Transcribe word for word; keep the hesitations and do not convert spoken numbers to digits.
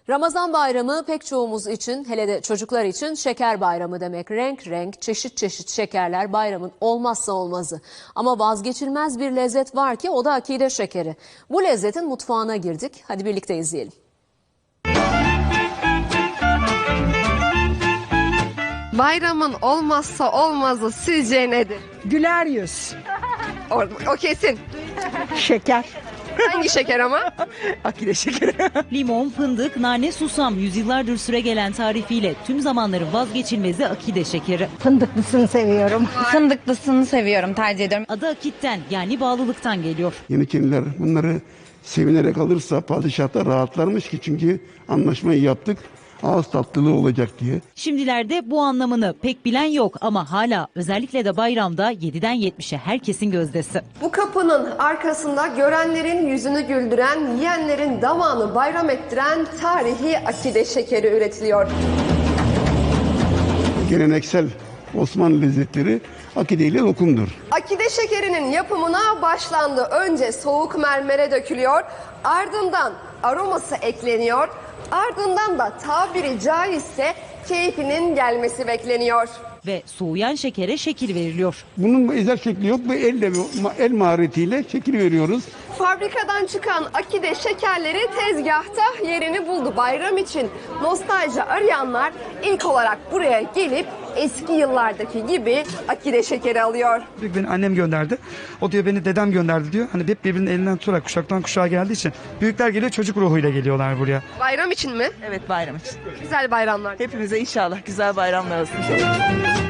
Ramazan bayramı pek çoğumuz için, hele de çocuklar için şeker bayramı demek. Renk renk, çeşit çeşit şekerler bayramın olmazsa olmazı. Ama vazgeçilmez bir lezzet var ki o da akide şekeri. Bu lezzetin mutfağına girdik. Hadi birlikte izleyelim. Bayramın olmazsa olmazı sizce nedir? Güler yüz. O, o kesin. Şeker. Hangi şeker ama? Akide şekeri. Limon, fındık, nane, susam yüzyıllardır süregelen tarifiyle tüm zamanların vazgeçilmezi akide şekeri. Fındıklısını seviyorum. Fındıklısını seviyorum, tercih ediyorum. Adı akitten yani bağlılıktan geliyor. Yeniçeriler bunları sevinerek alırsa padişah da rahatlarmış ki çünkü anlaşmayı yaptık. Ağız tatlılığı olacak diye. Şimdilerde bu anlamını pek bilen yok ama hala özellikle de bayramda yediden yetmişe herkesin gözdesi. Bu kapının arkasında görenlerin yüzünü güldüren, yiyenlerin damağını bayram ettiren tarihi akide şekeri üretiliyor. Geleneksel Osmanlı lezzetleri akide ile lokumdur. Akide şekerinin yapımına başlandı. Önce soğuk mermere dökülüyor, ardından aroması ekleniyor, ardından da tabiri caizse keyfinin gelmesi bekleniyor. Ve soğuyan şekere şekil veriliyor. Bunun özel şekli yok ve elle, el maharetiyle şekil veriyoruz. Fabrikadan çıkan akide şekerleri tezgahta yerini buldu. Bayram için nostalji arayanlar ilk olarak buraya gelip eski yıllardaki gibi akide şekeri alıyor. Beni annem gönderdi. O diyor beni dedem gönderdi diyor. Hani hep birbirinin elinden tutarak kuşaktan kuşağa geldiği için büyükler geliyor, çocuk ruhuyla geliyorlar buraya. Bayram için mi? Evet, bayram için. Güzel bayramlar. Hepimize inşallah güzel bayramlar olsun.